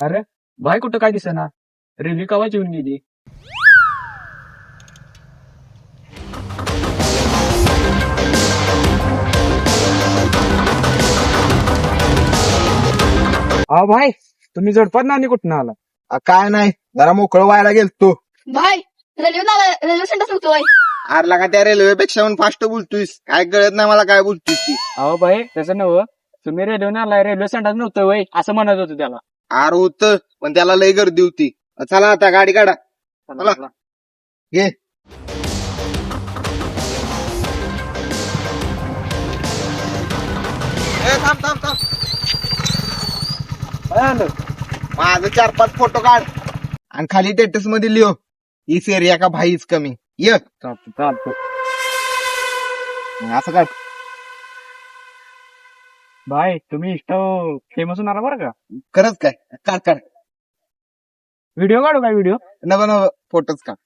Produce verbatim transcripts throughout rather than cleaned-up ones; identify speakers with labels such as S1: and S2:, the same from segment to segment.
S1: अरे भाई कुठं काय दिसेना. रेल्वे कवा येऊन गेली. अहो भाई तुम्ही जोडपात नानी कुठं आला.
S2: आ, काय नाही जरा मोकळं व्हायला गेलतो.
S3: भाई रेल्वे रेल्वे सेंटर सांगतोय.
S2: आरला का त्या रेल्वेपेक्षा पण फास्ट बोलतोयस. काय कळत नाही मला काय बोलतोयस ती.
S1: अहो भाई तसं नव तुम्ही रेल्वे आलाय रेल्वे सेंटर नव्हतं वय असं म्हणत होतं त्याला.
S2: आर होत पण त्याला लय गर्दी होती. चला आता गाडी काढा.
S1: चला, चला.
S2: घे ए, थांब थांब थांब
S1: काय आलं?
S2: माझं चार पाच फोटो काढ आणि खाली टेटस मध्ये लिहो इस एरिया का भाईच कमी. ये
S1: चालतं चालतं.
S2: असं काढ.
S1: भाई तुम्ही इष्ट फेमस होणार बरं का.
S2: खरंच काय काढ काढ.
S1: व्हिडिओ काढू काय व्हिडिओ.
S2: नव नव फोटोच काढ.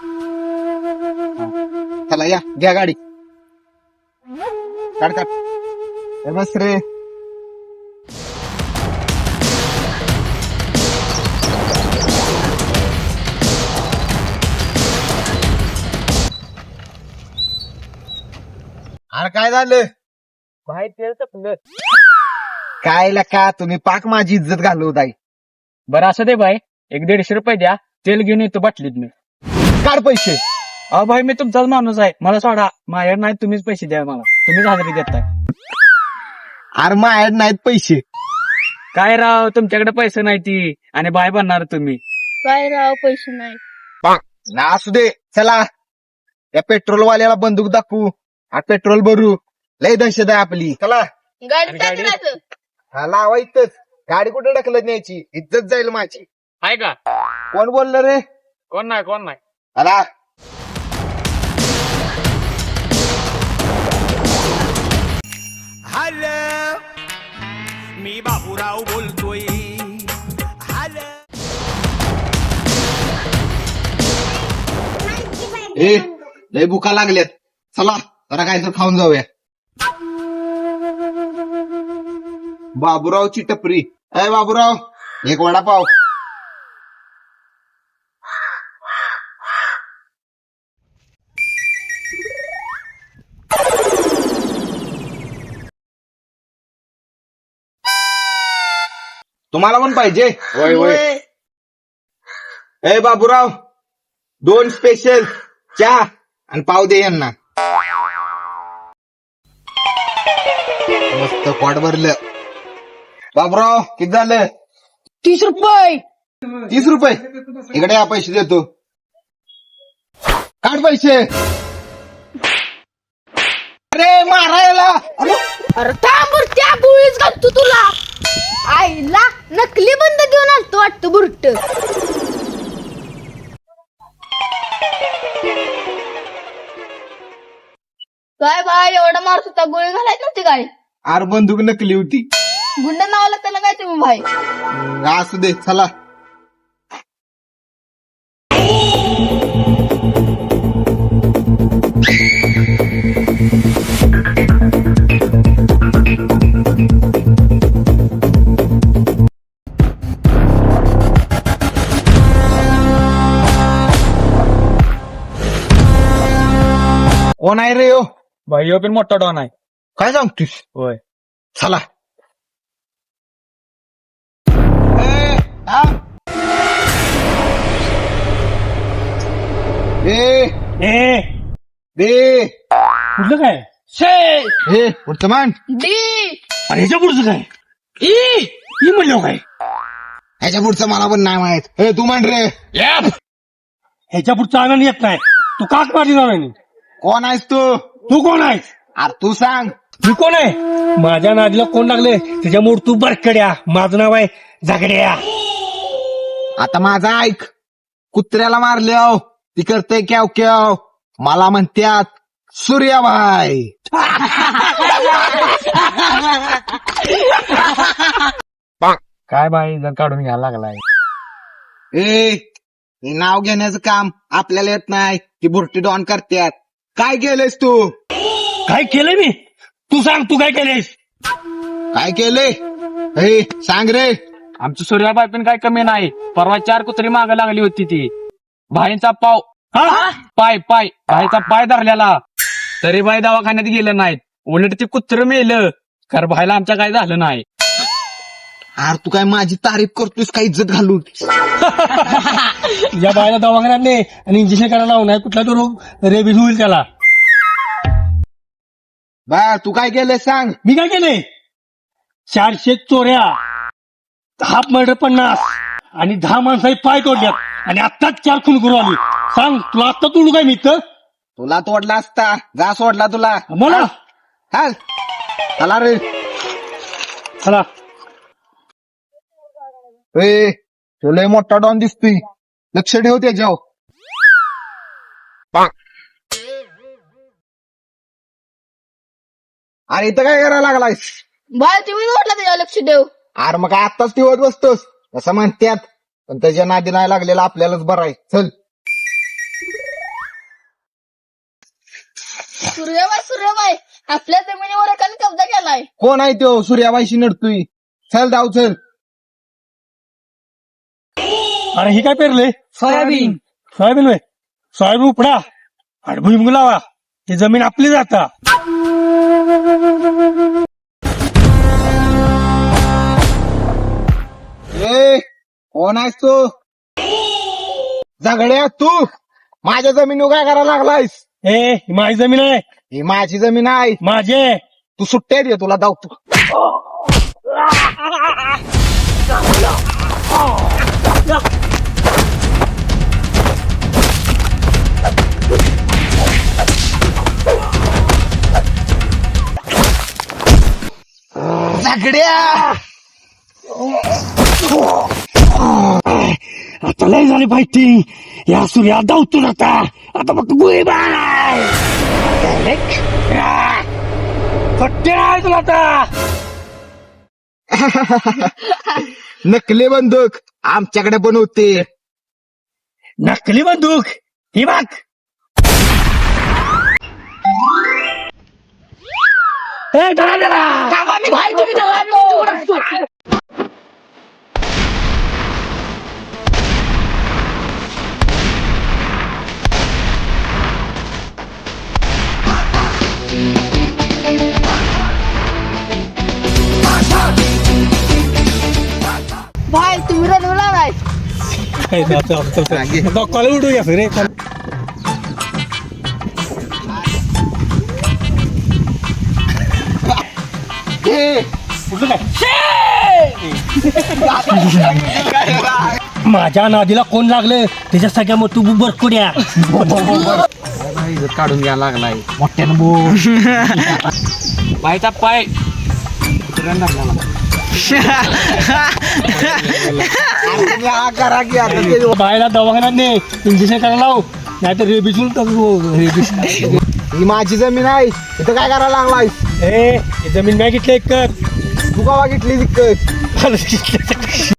S2: चला या घ्या गाडी. काढ काढ. ए, बस रे. अरे काय झालं.
S1: भाई तेल तर
S2: काय का तुम्ही पाक माझी इज्जत घालवत आहे.
S1: बरं असं दे भाई एक दीडशे रुपये द्या तेल घेऊन येतो बाटलीत मी.
S2: काढ पैसे.
S1: अहो भाई मी तुमचाच माणूस आहे मला सोडा. माझ्याकडे नाही तुम्हीच पैसे द्या मला. तुम्हीच हजेरी देताय.
S2: अरे माझ्याकडे नाहीत पैसे.
S1: काय राव तुमच्याकडे पैसे नाही ती आणि बाय बनणार तुम्ही.
S3: काय राव पैसे नाही.
S2: ना असू दे. चला त्या पेट्रोल वाल्याला बंदूक दाखवू. हा पेट्रोल भरू. लय दहशत आहे आपली. चला
S3: गाडी
S1: गाडी?
S3: टाकायचं.
S2: हा लावा इथंच. गाडी कुठे ढकलत न्यायची. इज्जत जाईल माझी.
S1: आहे का
S2: कोण बोललं रे.
S1: कोण नाही कोण नाही.
S2: चला
S4: हॅलो मी बाबूराव बोलतोय. हॅलो
S2: ए लय भुका लागल्यात. चला जरा काय तर खाऊन जाऊया. बाबूरावची टपरी. अय बाबूराव एक वडापाव. तुम्हाला पण पाहिजे. होय होय. ए बाबूराव दोन स्पेशल चहा आणि पाव दे यांना. मस्त पोट भरलं. बाबूराव किती झालं.
S3: तीस रुपये.
S2: तीस रुपये. इकडे या पैसे देतो. काढ पैसे. अरे मारायला. अरे
S3: अरे थांब बुरट्या बुळीच घालतो तुला. आईला नकली बंद घेऊन आणतो वाटतं बुरट. काय बाय एवढा मारत होता गोळी घालायची नव्हती काय.
S2: आर बंदूक नकली होती.
S3: गुंड नावाला त्याला काय तुम्ही भाई.
S2: असू दे चला. कोण आहे रे हो.
S1: भाई ह्यो पण मोठा डॉन आहे.
S2: काय सांगतोस.
S1: होय
S2: चला. ए, थांब. ए
S1: ए
S2: दे.
S1: कुठलं काय शे.
S2: ए वर्तमान
S3: डी
S1: अरे ह्याच्या पुढचं काय. ई ई म्हणलं काय.
S2: ह्याच्या पुढचं मला पण नाही माहित. ए तू म्हण रे.
S1: ह्याच्या पुढचा आनंद येत नाही. तू काक मारली नाही.
S2: कोण आहेस तू.
S1: तू कोण आहेस.
S2: अरे तू सांग.
S1: मी कोण आहे. माझ्या नादीला कोण लागले त्याच्यामुळे तू बरकड्या. माझं नाव आहे झगड्या.
S2: आता माझा ऐक. कुत्र्याला मारले हो ती करते क्याव क्याव. मला म्हणत्यात सूर्याबाई.
S1: काय बाई जर काढून घ्यायला लागलाय.
S2: ए हे नाव घेण्याचं काम आपल्याला येत नाही. ती बुरटी डॉन करतात. काय केलंयस तू.
S1: काय केलंय मी. तू सांग तू काय केलंयस.
S2: काय केलंय. ए सांग रे.
S5: आमची सूर्याबाई पण काय कमी नाही. परवा चार कुत्री माग लागली होती ती. भाईंचा पाव
S1: हा?
S5: पाय पाय भाईचा पाय धरलेला तरी बाई दवाखान्यात गेलं नाहीत. उलट ते कुत्र मेलं खर भाईला आमच्या काय झालं नाही.
S2: अरे तू काय माझी तारीफ करतोयस काय इज्जत घालून?
S1: या बायला दवाखान्यात नाही आणि इंजेक्शन करायला लावून आहे कुठला तो रोग रेबीज होईल त्याला.
S2: बा तू काय केलंय सांग.
S1: मी काय केले चारशे चोऱ्या, दहा मर्डर पन्नास आणि दहा माणसाही पाय तोडल्यात आणि आत्ताच चार खून करू आली. सांग तुला आत्ता तोडू काय मी तर
S2: तुला तोडला असता जा सोडला तुला.
S1: मला
S2: हा चला रे.
S1: चला
S2: ए तुला मोठा डॉन दिसतोय लक्ष ठेव त्याच्यावर. अरे इथं काय करायला लागलायस?
S3: बाय तुम्ही म्हटलं त्याच्या लक्ष देऊ.
S2: अरे मग काय आत्ताच ठेवत बसतोस असं म्हणतात. पण त्याच्या नादी नाही लागलेला आपल्यालाच बरं आहे. चल
S3: सूर्यबाई सूर्यबाई आपल्या जमिनीवर एकाने कब्जा केलाय.
S2: कोण आहे तो सूर्याबाईशी नडतोय? चल जाऊ चल.
S1: अरे ही काय पेरले
S5: सोयाबीन
S1: सोयाबीन होय. सोयाबीन उपडा आणि भुईमुग लावा. ही जमीन आपली जाता.
S2: ए कोण आहेस तू? झगड्या तू माझ्या जमिनीवर काय करायला लागलायस?
S1: ए ही माझी जमीन आहे.
S2: ही माझी जमीन आहे.
S1: माझी आहे.
S2: तू सुट्ट्या दे तुला धावतो. झगड्या
S1: आता लय झाली फायटिंग. या सूर्या धावतो आता. आता फक्त गोळी बाय फट्टे आहे तुला आता.
S2: नकली बंदूक आमच्याकडे पण होते.
S1: नकली बंदूक ही बघ. ए, धरा त्याला.
S3: भाई तुम्ही रनवला नाही.
S1: ए, चल, चल, चल, चल. बघ, कॉलेज उठूया फिर रे. चल.
S2: ए,
S1: उठलं काय? माझ्या नादीला कोण लागलं त्याच्या सगळ्या मग तू बरकुड्या.
S2: इज्जत काढून घ्यायला लागलाय मोठ्यानं बोल.
S5: भाईचा पाय कुत्र्यानं धरलेला.
S2: हा करा की आता ते.
S1: बायला दवाखान्यात नाही इंजेक्शन करायला लाव नाही तर रेबीज रेबीज.
S2: ही माझी जमीन आहे इथं काय करायला लागलाय?
S1: ए ही जमीन मी घेतली एक कर.
S2: तू गावा घेतली दिक्कत.